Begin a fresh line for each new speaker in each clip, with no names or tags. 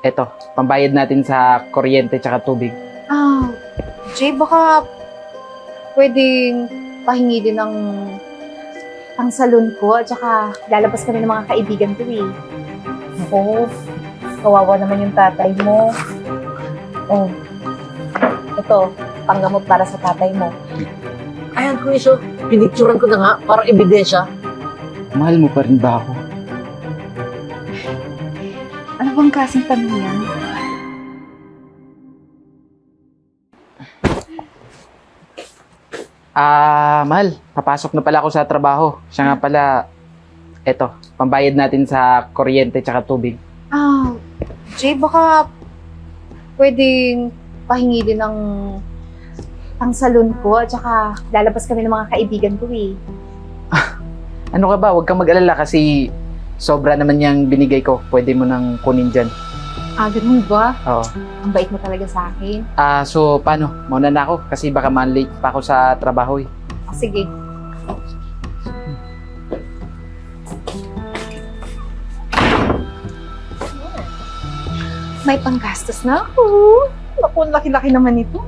Eto, pambayad natin sa kuryente tsaka tubig.
Jay, baka pwedeng pahingi din ng pang-salon ko at saka lalabas kami ng mga kaibigan ko eh. Naku, kawawa naman yung tatay mo. Oh, ito, panggamot para sa tatay mo.
Ayan, Kuiso. Pinicturan ko na nga para ebidensya.
Mahal mo pa rin ba ako?
Ano bang klaseng tanong yan?
Mahal, papasok na pala ako sa trabaho. Siya nga pala, eto, pambayad natin sa kuryente tsaka tubig.
Jay, baka pwedeng pahingi din ng pang-salon ko at saka lalabas kami ng mga kaibigan ko eh.
Ano ka ba? Huwag kang mag-alala kasi sobra naman yung binigay ko. Pwede mo nang kunin dyan.
Ganun ba?
Oo.
Ang bait mo talaga sa akin.
So paano? Mauna na ako kasi baka man-late pa ako sa trabaho eh.
Sige. May panggastos na ako. Naku, ang laki-laki naman ito.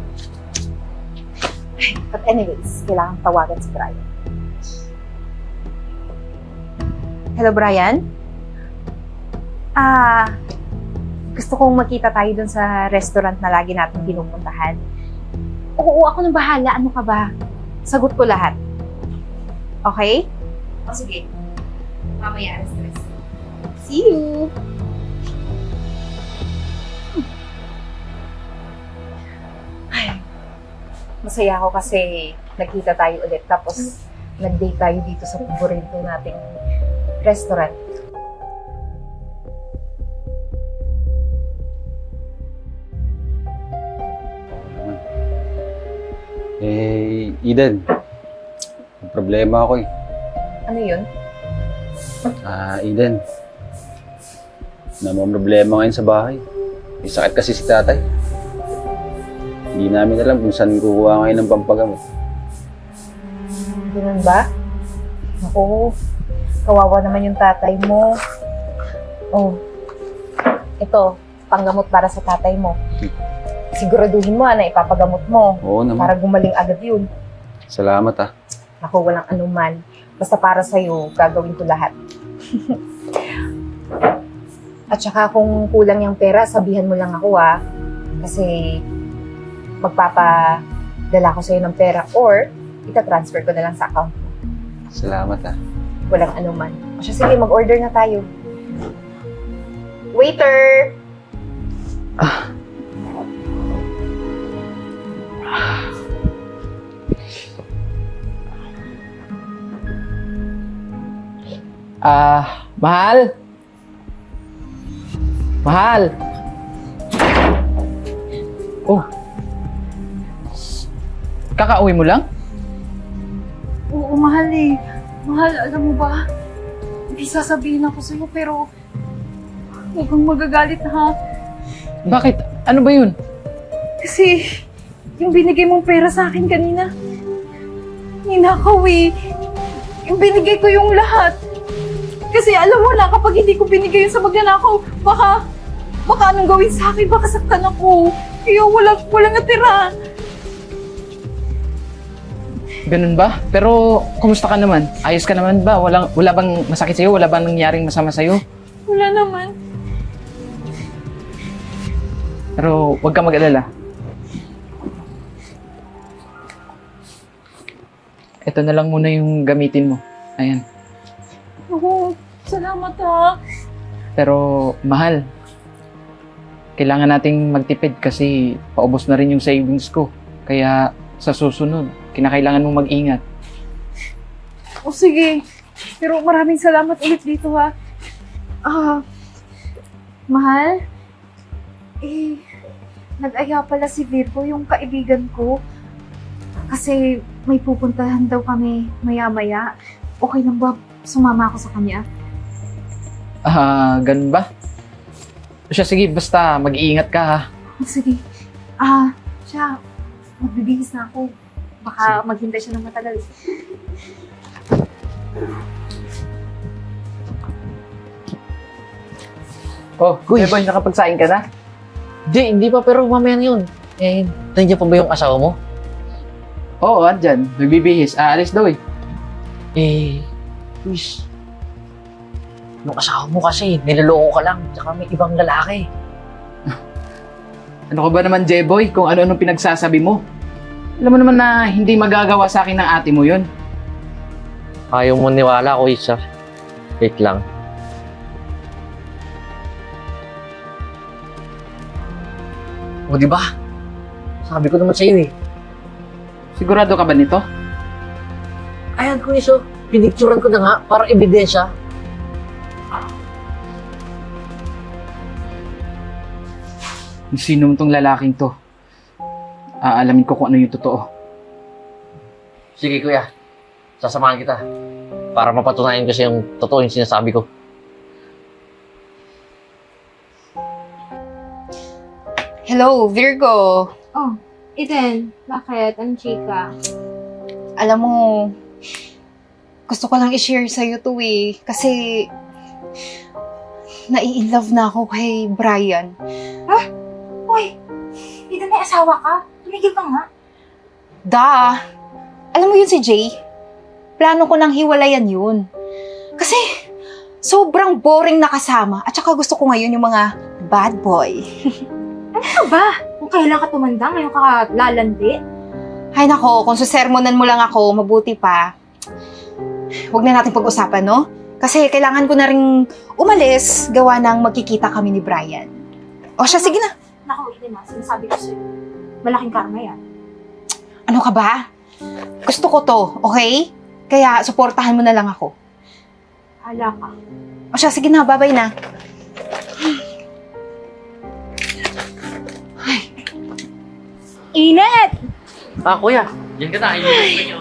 But anyways, kailangan tawagan si Brian. Hello, Brian? Gusto kong makita tayo dun sa restaurant na lagi natin pinupuntahan. Oo, ako nang bahala. Ano ka ba? Sagot ko lahat. Okay? O sige. Mamaya, stress. See you! Ay, masaya ako kasi nagkita tayo ulit. Tapos, nag-date tayo dito sa paborito nating restaurant.
Eden, may problema ako eh.
Ano yun?
Eden, namang problema ngayon sa bahay. May sakit kasi si tatay. Hindi namin alam kung saan kukuha ngayon ng pampagamot.
Ganun ba? Naku, kawawa naman yung tatay mo. Oh, ito, panggamot para sa tatay mo. Siguraduhin mo na ipapagamot mo
Oo naman.
para gumaling agad yun.
Salamat ah.
Naku, walang anuman. Basta para sa'yo, gagawin ko lahat. At saka kung kulang yung pera, sabihan mo lang ako Kasi magpapadala ko sa'yo ng pera or ita-transfer ko na lang sa account mo.
Salamat ah.
Walang anuman. O siya, sige, mag-order na tayo. Waiter!
Mahal? Mahal? Oh. Kakauwi mo lang?
Oo, mahal eh. Mahal, alam mo ba? Hindi sasabihin ako sa'yo pero huwag kang magagalit ha.
Bakit? Ano ba yun?
Kasi yung binigay mong pera sa akin kanina, ninakaw eh. Yung binigay ko yung lahat. Kasi alam mo na, kapag hindi ko binigay yun sa magnanakaw, baka anong gawin sa akin, baka saktan ako. Kaya walang natira.
Ganun ba? Pero, kumusta ka naman? Ayos ka naman ba? Wala bang masakit sa'yo? Wala bang nangyaring masama sa'yo?
Wala naman.
Pero, huwag ka mag-alala. Ito na lang muna yung gamitin mo. Ayan.
Oo, salamat ha.
Pero, mahal. Kailangan nating magtipid kasi paubos na rin yung savings ko. Kaya, sa susunod, kinakailangan mong mag-ingat.
O sige, pero maraming salamat ulit dito ha. Mahal? Nag-aya pala si Virgo, yung kaibigan ko. Kasi may pupuntahan daw kami maya-maya. Okay lang ba sumama ako sa kanya?
Ganun ba? O siya, sige, basta mag-iingat ka ha.
Sige. Siya, magbibihis na ako. Baka maghintay siya ng matagal.
Oh,
Uy.
Jeboy, nakapagsaing ka na?
Hindi pa, pero mamaya na yun. Eh, nandiyan pa ba yung asawa mo?
Oo, andyan. Nagbibihis. Aalis daw eh.
Eh, Luis, yung asawa mo kasi, niloloko ka lang, tsaka may ibang lalaki.
Ano ka ba naman, Jeboy? Kung ano-anong pinagsasabi mo. Alam mo naman na hindi magagawa sa akin ng ate mo yun.
Ayaw mo niwala ko, isa. Wait lang. O, di ba? Sabi ko naman sa'yo eh.
Sigurado ka ba nito?
Ayan, Luis, oh. Pinicturan ko na nga, para ebidensya.
Kung sino tong lalaking to, aalamin ko kung ano yung totoo.
Sige, kuya. Sasamahan kita. Para mapatunayan ko siya yung totoo yung sinasabi ko.
Hello, Virgo.
Oh, Eden, bakit? Anong chika?
Alam mo, gusto ko lang i-share sa'yo to eh. Kasi, nai-inlove na ako kay Brian.
Uy, Eden, may asawa ka? Tumigil ka nga.
Alam mo yun si Jay? Plano ko nang hiwalayan yun. Kasi, sobrang boring na kasama. At saka gusto ko ngayon yung mga bad boy.
Ano ba? Kung kailan ka tumanda, ngayon ka lalandi?
Ay nako, kung susermonan mo lang ako, mabuti pa. Huwag na natin pag-usapan, no? Kasi kailangan ko na rin umalis, gawa ng magkikita kami ni Brian. O siya, sige na.
Naku, Eden, sinasabi ko sa'yo. Malaking karma yan.
Ano ka ba? Gusto ko to, okay? Kaya suportahan mo na lang ako.
Hala ka.
O siya, sige na, bye-bye na.
Init!
Kuya. Yan ka na. Ayun.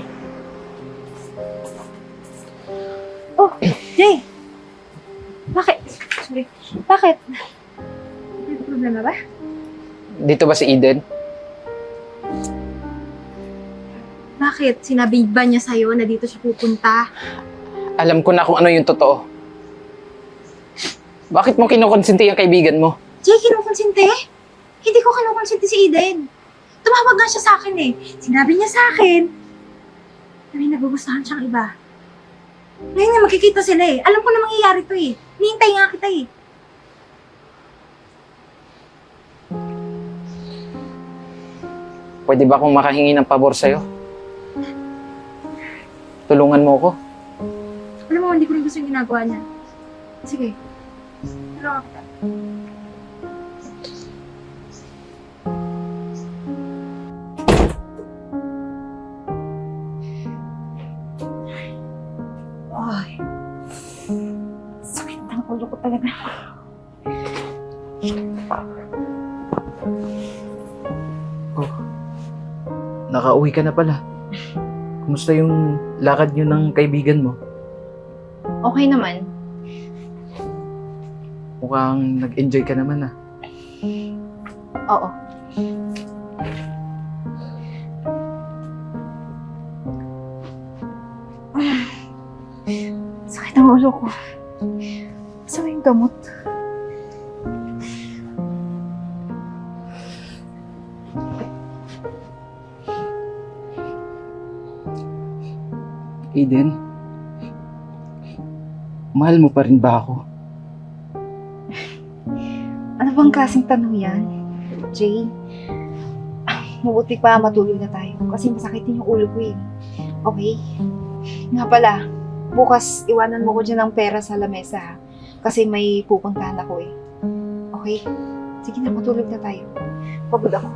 Oh, Jay! Bakit? Sorry. Bakit? May problema ba?
Dito ba si Eden?
Bakit? Sinabi ba niya sa'yo na dito siya pupunta?
Alam ko na kung ano yung totoo. Bakit mo kinukonsente yung kaibigan mo?
Jay, kinukonsente? Hindi ko kinukonsente si Eden. Tumawag nga siya sa akin eh. Sinabi niya sa akin na may nagugustuhan siyang iba. Ngayon nga, magkikita sila eh. Alam ko na mangyayari to eh. Nihintay nga kita eh.
Pwede ba akong makahingi ng pabor sa'yo? Tulungan mo ako.
Alam mo, hindi ko rin gusto yung ginagawa niya. Sige. Tulungan kita.
Ay, sakit ng ulo ko talaga.
Oh, nakauwi ka na pala. Kumusta yung lakad nyo ng kaibigan mo?
Okay naman.
Mukhang nag-enjoy ka naman ah.
Oo. Sakit ang ulo ko. Gusto mo yung gamot?
Eden, mahal mo pa rin ba ako?
Ano bang klaseng tanong yan? Jay, mabuti pa matulog na tayo kasi masakit din yung ulo ko eh. Okay? Nga pala, bukas iwanan mo ko dyan ng pera sa lamesa ha? Kasi may pupuntahan ako eh. Okay? Sige na, matulog na tayo. Pagod ako.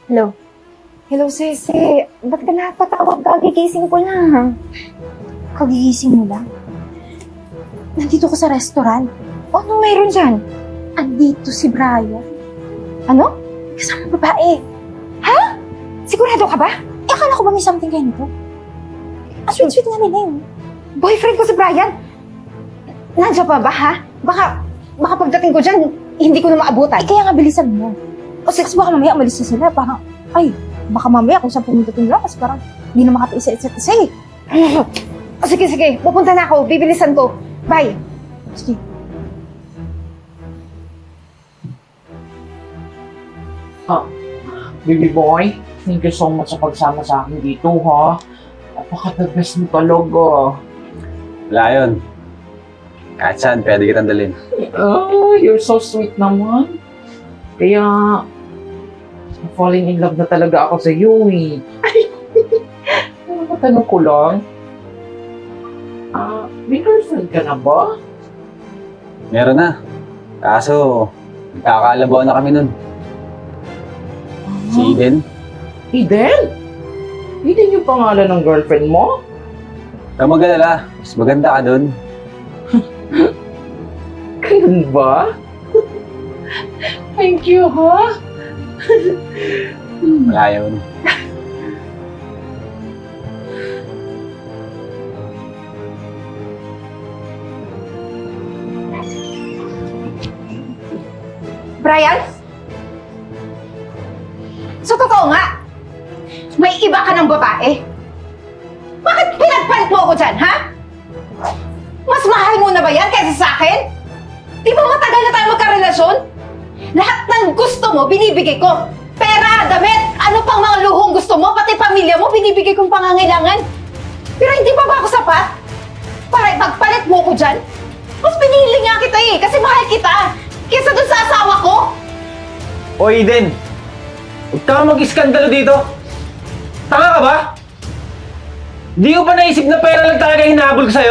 Hello? Hello, Sese. Ba't ka napatawag? Kagigising ko lang.
Kagigising mo lang. Nandito ko sa restaurant.
O, anong mayroon dyan?
Andito si Brian.
Ano?
Kasama babae.
Sigurado ka ba?
Eh, akala ko ba may something kayo nito? Ang sweet-sweet nga nila yun.
Boyfriend ko si Brian. Nandiyan pa ba, ha? Baka pagdating ko dyan, hindi ko na maabutan.
Eh, kaya nga bilisan mo. O sige, baka mamaya umalis na sila. Parang, baka mamaya kung saan pumunta nila kasi parang hindi na makatiisa isa't isa eh.
O, sige. Pupunta na ako. Bibilisan ko. Bye.
Sige.
Baby boy, thank you so much sa pagsama sa akin dito, ha? Napaka-the best mo talaga.
Wala yun. Kahit saan, pwede kitang dalhin.
Oh, you're so sweet naman. Kaya, falling in love na talaga ako sa iyo, eh. Matanong ko lang, may girlfriend ka na ba?
Meron na. Kaso, nagkakaalabaw na kami nun. Si Eden.
Eden? Eden yung pangalan ng girlfriend mo?
Huwag mag-alala. Mas maganda ka dun.
Ganun ba? Thank you, ha?
Wala yun.
Brian? So, totoo nga, may iba ka ng babae. Bakit pinagpalit mo ako dyan, ha? Mas mahal mo na ba yan kaysa sa akin? Di ba matagal na tayo magkarelasyon? Lahat ng gusto mo, binibigay ko. Pera, damit, ano pang mga luhong gusto mo, pati pamilya mo, binibigay kong pangangailangan. Pero hindi pa ba ako sapat? Para ipagpalit mo ko dyan? Mas pinili nga kita eh, kasi mahal kita. Kesa dun sa asawa ko.
O Eden, huwag ka mag-iskandalo dito. Tanga ka ba? Di ko ba naisip na pera lang talaga hinahabol ko sa'yo?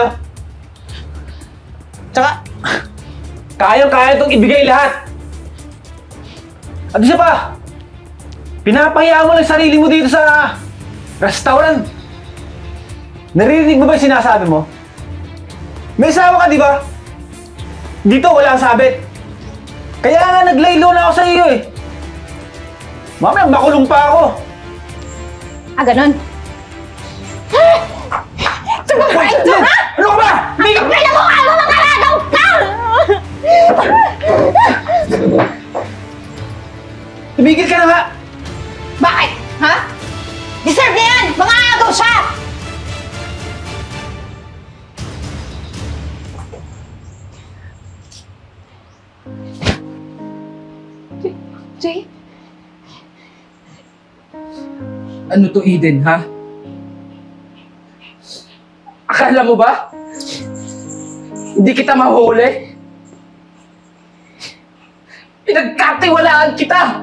Tsaka, kayang-kaya itong ibigay lahat. At isa pa, pinapahiya mo lang sarili mo dito sa restaurant. Naririnig mo ba yung sinasabi mo? May asawa ka, di ba? Dito, wala kang sabit. Kaya nga naglaylo na ako sa iyo eh. Mamaya makulong pa ako.
Ganon. Sumabain ka, ha?
Ano ka ba?
Alam mo, mamangalagaw ka!
Tumigil ka na nga.
Bakit? Ha? Deserve niya yan! Mga agaw siya! Jay?
Ano to, Eden, ha? Akala mo ba? Hindi kita mahuli? Pinagkatiwalaan kita!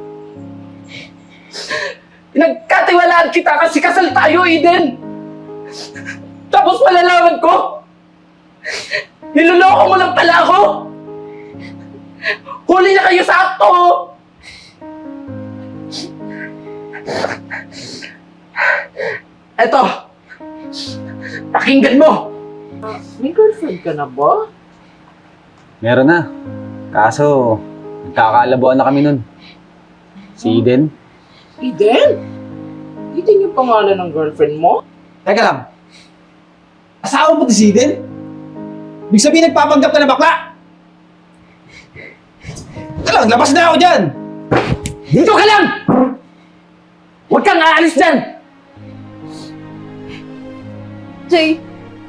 Pinagkatiwalaan kita kasi kasal tayo, Eden! Tapos malalaman ko, niloloko mo lang pala ako! Huli na kayo sa akto! Eto, pakinggan mo!
May girlfriend ka na ba?
Meron na. Kaso, nagkakaalabaw na kami nun. Si Eden.
Eden? Eden yung pangalan ng girlfriend mo?
Teka lang. Asawa mo to si Eden? Ibig sabihin nagpapanggap ka na bakla? Teka lang, labas na ako dyan!
Dito ka lang! Huwag kang aalis dyan!
Jay,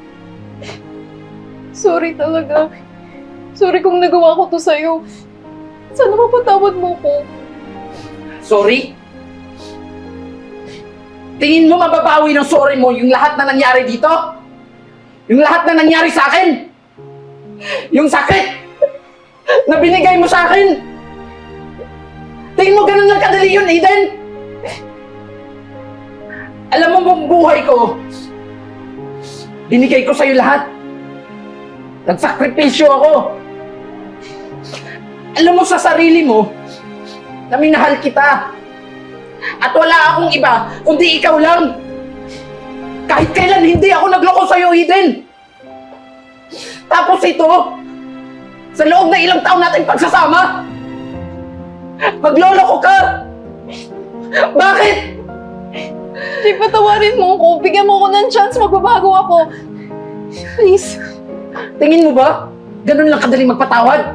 sorry talaga. Sorry kung nagawa ko to sa'yo. Sana mapatawad mo ko.
Sorry? Tingin mo mababawi ng sorry mo yung lahat na nangyari dito? Yung lahat na nangyari sa akin? Yung sakit na binigay mo sa akin? Tingin mo ganun lang kadali yun, Eden? Alam mo bang buhay ko, binigay ko sa'yo lahat. Nagsakripisyo ako. Alam mo sa sarili mo na minahal kita. At wala akong iba, kundi ikaw lang. Kahit kailan hindi ako nagloko sa'yo, Eden. Tapos ito, sa loob na ilang taon natin pagsasama, magloloko ka! Bakit?
Jay, patawarin mo ako. Bigyan mo ako ng chance. Magbabago ako. Please.
Tingin mo ba? Ganun lang kadaling magpatawad?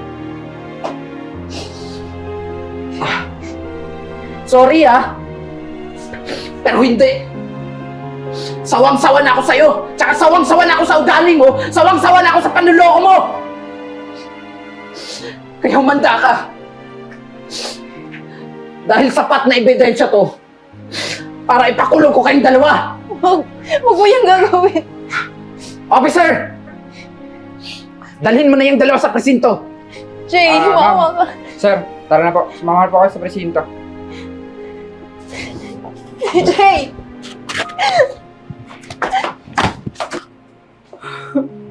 Sorry pero hindi. Sawang-sawa na ako sa'yo. Tsaka sawang-sawa na ako sa ugali mo. Sawang-sawa na ako sa panluloko mo. Kaya humanda ka. Dahil sapat na ebidensya to para ipakulong ko kayong dalawa.
Huwag mo yung gagawin.
Officer! Dalhin mo na yung dalawa sa presinto.
Jay, humawa ka.
Sir, tara na po. Sumama po kayo sa presinto.
Jay!